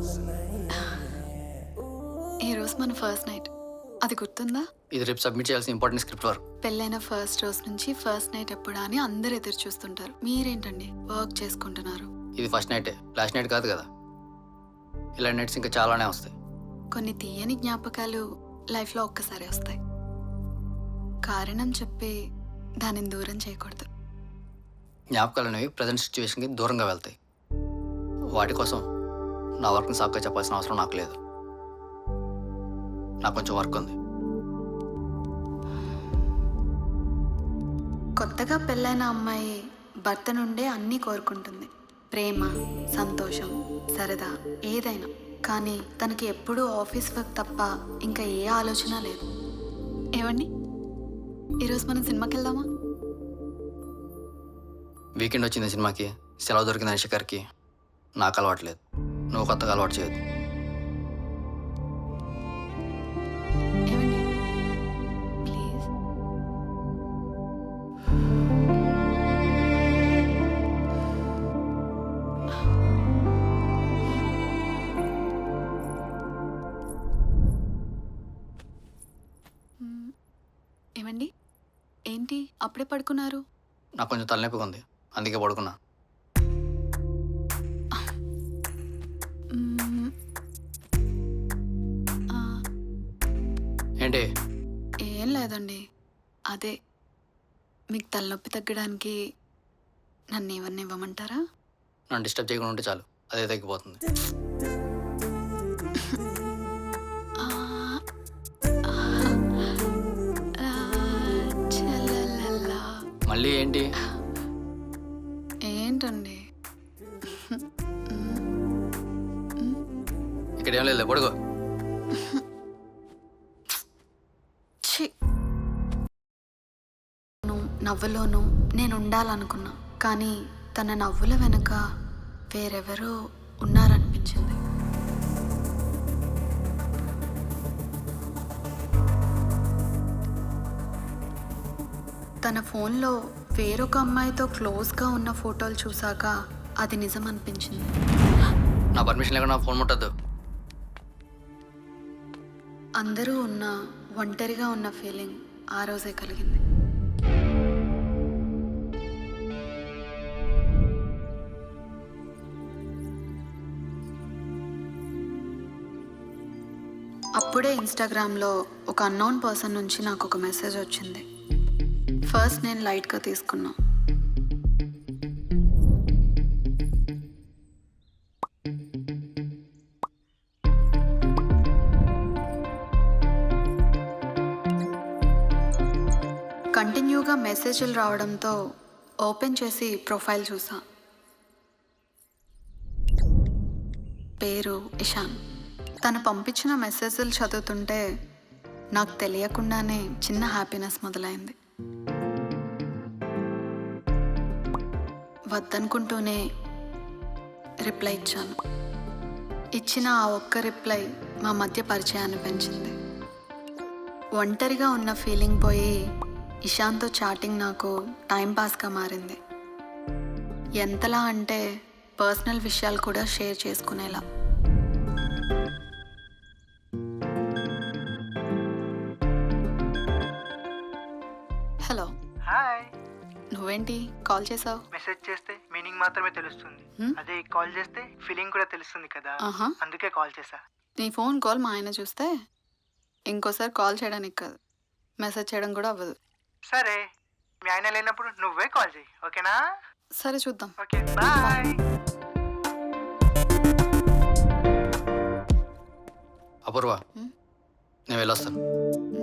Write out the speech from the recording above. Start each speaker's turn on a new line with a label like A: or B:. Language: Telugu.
A: ఈరోజు మన ఫస్ట్ నైట్, అది గుర్తుందా?
B: ఇది రేపు సబ్మిట్ చేయాల్సిన ఇంపార్టెంట్ స్క్రిప్ట్ వర్క్.
A: పెళ్ళైన ఫస్ట్ రోజు నుంచి ఫస్ట్ నైట్ ఎప్పుడా అని అందరు ఎదురు చూస్తుంటారు. మీరేంటండి వర్క్ చేసుకుంటున్నారు?
B: ఇది ఫస్ట్ నైటే, లాస్ట్ నైట్ కాదు కదా. ఇలాంటి నైట్స్ ఇంకా చాలానే వస్తాయి.
A: కొన్ని తీయని జ్ఞాపకాలు లైఫ్లో ఒక్కసారి వస్తాయి. కారణం చెప్పి దానిని దూరం చేయకూడదు.
B: జ్ఞాపకాలు అనేవి ప్రజెంట్ సిచ్యువేషన్కి దూరంగా వెళ్తాయి. వాటి కోసం నా వర్క్ని సాకుగా చెప్పాల్సిన అవసరం నాకు లేదు. నాకు కొంచెం వర్క్ ఉంది.
A: కొత్తగా పెళ్ళైన అమ్మాయి భర్త నుండే అన్నీ కోరుకుంటుంది. ప్రేమ, సంతోషం, సరదా, ఏదైనా. కానీ తనకి ఎప్పుడూ ఆఫీస్ వర్క్ తప్ప ఇంకా ఏ ఆలోచన లేదు. ఏమండి, ఈరోజు మనం సినిమాకి వెళ్దామా?
B: వీకెండ్ వచ్చింది సినిమాకి, సెలవు దొరికింది శిఖర్కి. నాకు అలవాట్లేదు, నువ్వు కొత్తగా అలవాటు చేయదు.
A: ఏమండి, ప్లీజ్. ఏమండి, ఏంటి అప్పుడే పడుకున్నారు?
B: నాకు కొంచెం తలనొప్పిగా ఉంది, అందుకే పడుకున్నా.
A: మ్మ్. ఆ,
B: ఏంటి?
A: ఏం లేదండి. అదే మీకు తలనొప్పి తగ్గడానికి నన్ను ఏమన్నా ఇవ్వమంటారా?
B: నన్ను డిస్టర్బ్ చేయకుండా ఉంటే చాలు, అదే తగ్గిపోతుంది.
A: ఆ, ఆ, ఆ, చలలలా.
B: మళ్ళీ ఏంటి?
A: ఏంటండి?
B: ఇక్కడ ఏం లేదు, పడుకో.
A: ఛీ! నవ్వులోనూ నేను ఉండాలనుకున్నా, కానీ తన నవ్వుల వెనుక వేరెవరో ఉన్నారనిపించింది. తన ఫోన్లో వేరొక అమ్మాయితో క్లోజ్గా ఉన్న ఫోటోలు చూశాక అది నిజం అనిపించింది.
B: నా పర్మిషన్ లేకుండా ఫోన్ ముట్టద్దు.
A: అందరూ ఉన్న ఒంటరిగా ఉన్న ఫీలింగ్ ఆ రోజే కలిగింది. అప్పుడే ఇన్స్టాగ్రామ్లో ఒక అన్నోన్ పర్సన్ నుంచి నాకు ఒక మెసేజ్ వచ్చింది. ఫస్ట్ నేను లైట్గా తీసుకున్నా. కంటిన్యూగా మెసేజ్లు రావడంతో ఓపెన్ చేసి ప్రొఫైల్ చూసా. పేరు ఇషాన్. తను పంపించిన మెసేజ్లు చదువుతుంటే నాకు తెలియకుండానే చిన్న హ్యాపీనెస్ మొదలైంది. వద్దనుకుంటూనే రిప్లై ఇచ్చాను. ఇచ్చిన ఆ ఒక్క రిప్లై మా మధ్య పరిచయాన్ని పెంచింది. ఒంటరిగా ఉన్న ఫీలింగ్ పోయి ఇషాన్తో చాటింగ్ నాకు టైంపాస్గా మారింది. ఎంతలా అంటే పర్సనల్ విషయాలు కూడా షేర్ చేసుకునేలా. హలో.
C: హాయ్.
A: నువ్వేంటి కాల్ చేసావు?
C: మెసేజ్ చేస్తే మీనింగ్ మాత్రమే తెలుస్తుంది, అదే కాల్ చేస్తే ఫీలింగ్ కూడా తెలుస్తుంది కదా.
A: ఆహా.
C: అందుకే కాల్ చేసా.
A: నీ ఫోన్ కాల్ మా ఆయన చూస్తే ఇంకోసారి కాల్ చేయడానికి కాదు, మెసేజ్ చేయడం కూడా అవ్వదు.
C: సరే, మీ ఆయన లేనప్పుడు నువ్వే కాల్ చేయి, ఓకేనా?
A: సరే, చూద్దాం.
C: Okay, bye.
B: అపూర్వ, నేను వెళ్ళొస్తాను.